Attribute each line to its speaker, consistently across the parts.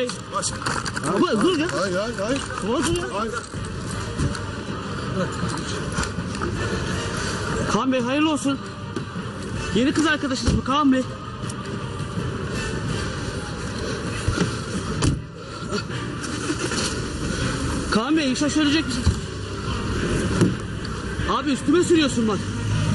Speaker 1: Bey. Baba dur ya.
Speaker 2: Hayır.
Speaker 1: Baba dur ya.
Speaker 2: Hayır.
Speaker 1: Kaan Bey hayırlı olsun. Yeni kız arkadaşınız mı Kaan Bey? Kaan Bey şaşıracak mısın? Abi üstüme sürüyorsun bak.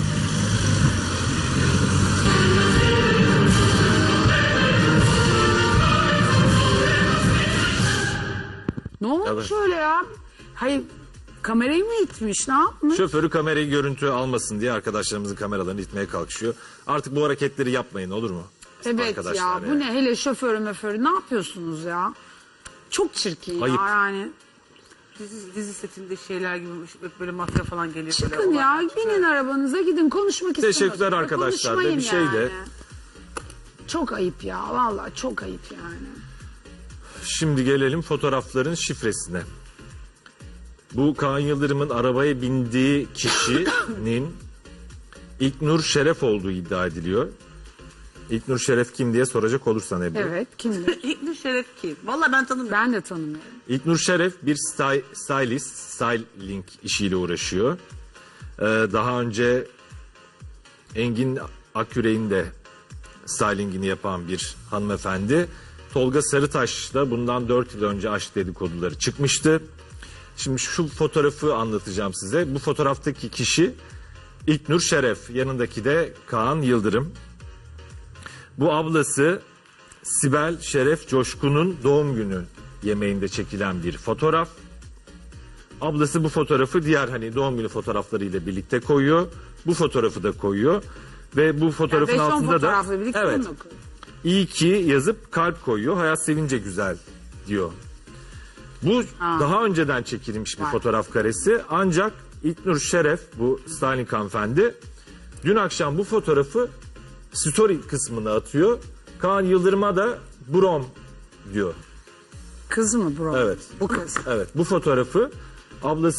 Speaker 3: Ne olmuş öyle ya? Hayır, kamerayı mı itmiş, ne yapmış?
Speaker 4: Şoförü kamerayı görüntü almasın diye arkadaşlarımızın kameralarını itmeye kalkışıyor. Artık bu hareketleri yapmayın, olur mu?
Speaker 3: Evet
Speaker 4: Arkadaşlar
Speaker 3: ya,
Speaker 4: yani.
Speaker 3: bu ne hele şoförü ne yapıyorsunuz ya? Çok çirkin
Speaker 4: Ayıp.
Speaker 3: ya yani.
Speaker 5: Dizi setinde şeyler gibi böyle mafya falan geliyor.
Speaker 3: Çıkın ya, binin arabanıza gidin, konuşmak istiyorsunuz.
Speaker 4: Teşekkürler arkadaşlar da bir şey de.
Speaker 3: Çok ayıp ya, vallahi çok ayıp yani.
Speaker 4: Şimdi gelelim fotoğrafların şifresine. Bu Kaan Yıldırım'ın arabaya bindiği kişinin İlknur Şeref olduğu iddia ediliyor. İlknur Şeref kim diye soracak olursan Ebru.
Speaker 3: Evet, kimdir?
Speaker 5: İlknur Şeref kim? Valla ben tanımıyorum.
Speaker 3: Ben de tanımıyorum.
Speaker 4: İlknur Şeref bir styling işiyle uğraşıyor. Daha önce Engin Akyürek'in de stylingini yapan bir hanımefendi. Tolga Sarıtaş da bundan 4 yıl önce aşk dedikoduları çıkmıştı. Şimdi şu fotoğrafı anlatacağım size. Bu fotoğraftaki kişi İlknur Şeref, yanındaki de Kaan Yıldırım. Bu ablası Sibel Şeref Coşkun'un doğum günü yemeğinde çekilen bir fotoğraf. Ablası bu fotoğrafı diğer doğum günü fotoğraflarıyla birlikte koyuyor. Bu fotoğrafı da koyuyor. Ve bu fotoğrafın
Speaker 3: Yani 5-10
Speaker 4: altında da
Speaker 3: fotoğrafla birlikte
Speaker 4: evet,
Speaker 3: mi okuyor?
Speaker 4: iyi ki yazıp kalp koyuyor. Hayat sevince güzel diyor. Bu daha önceden çekilmiş bir fotoğraf karesi. Ancak İlknur Şeref, bu styling hanımefendi, dün akşam bu fotoğrafı story kısmına atıyor. Kaan Yıldırım'a da brom diyor.
Speaker 3: Kız mı bro?
Speaker 4: Evet.
Speaker 3: Bu kız.
Speaker 4: Evet, bu fotoğrafı ablası